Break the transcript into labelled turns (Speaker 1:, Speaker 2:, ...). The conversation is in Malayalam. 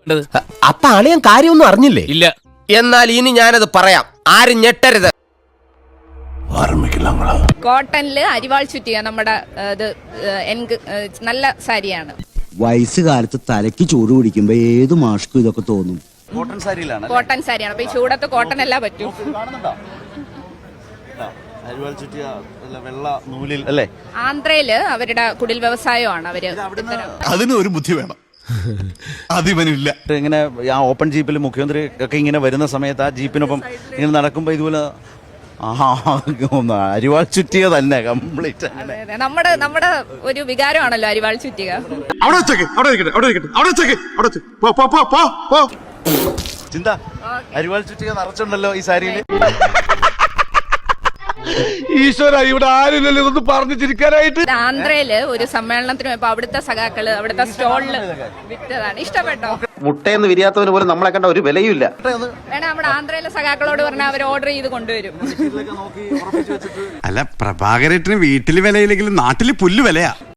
Speaker 1: അപ്പൊ അളിയൻ കാര്യമൊന്നും അറിഞ്ഞില്ലേ?
Speaker 2: ഇല്ല.
Speaker 1: എന്നാൽ ഇനി ഞാനത് പറയാം, ആരും ഞെട്ടരുത്.
Speaker 3: കോട്ടണില് അരിവാൾ ചുറ്റിയ നമ്മുടെ നല്ല സാരിയാണ്.
Speaker 4: വയസ്സുകാലത്ത് തലയ്ക്ക് ചൂട് പിടിക്കുമ്പോ ഏത് മാഷ്ക്കും ഇതൊക്കെ തോന്നും.
Speaker 5: കോട്ടൺ സാരിയിലാണ്.
Speaker 3: കോട്ടൺ സാരിയാണ്. അപ്പൊ ഈ ചൂടത്ത് കോട്ടൺ അല്ല പറ്റൂ.
Speaker 5: അരിവാൾ ചുറ്റിയ വെള്ള നൂലിൽ അല്ലേ?
Speaker 3: ആന്ധ്രയില് അവരുടെ കുടിൽ വ്യവസായമാണ് അവര്.
Speaker 6: അതിന് ഒരു ബുദ്ധി വേണം, അതിവനില്ല.
Speaker 5: ഇങ്ങനെ ആ ഓപ്പൺ ജീപ്പിൽ മുഖ്യമന്ത്രി ഒക്കെ ഇങ്ങനെ വരുന്ന സമയത്ത് ആ ജീപ്പിനൊപ്പം ഇങ്ങനെ നടക്കുമ്പോ ഇതുപോലെ അരിവാൾ ചുറ്റിയ തന്നെ കംപ്ലീറ്റ്.
Speaker 3: നമ്മുടെ ഒരു വികാരമാണല്ലോ അരിവാൾ ചുറ്റിക.
Speaker 5: ചിന്ത അരിവാൾ ചുറ്റിക നിറച്ചുണ്ടല്ലോ ഈ സാരിയില്.
Speaker 6: ഈശ്വര, ഇവിടെ ആരില്ലല്ലോ ഇതൊന്ന് പറഞ്ഞു ചിരിക്കാനായിട്ട്.
Speaker 3: ആന്ധ്രയില് ഒരു സമ്മേളനത്തിന് പോയപ്പോ അവിടുത്തെ സഖാക്കള് അവിടുത്തെ സ്റ്റോളില് വിറ്റതാണ്. ഇഷ്ടപ്പെട്ടോ?
Speaker 7: മുട്ടയെന്ന് വിരിയാത്തവന് പോലും നമ്മളെ കണ്ട ഒരു വിലയുമില്ല.
Speaker 3: വേണം നമ്മുടെ ആന്ധ്രയിലെ സഖാക്കളോട് പറഞ്ഞാൽ അവർ ഓർഡർ ചെയ്ത് കൊണ്ടുവരും.
Speaker 6: അല്ല, പ്രഭാകരേട്ടന് വീട്ടില് വിലയില്ലെങ്കിലും നാട്ടില് പുല്ല് വിലയാ.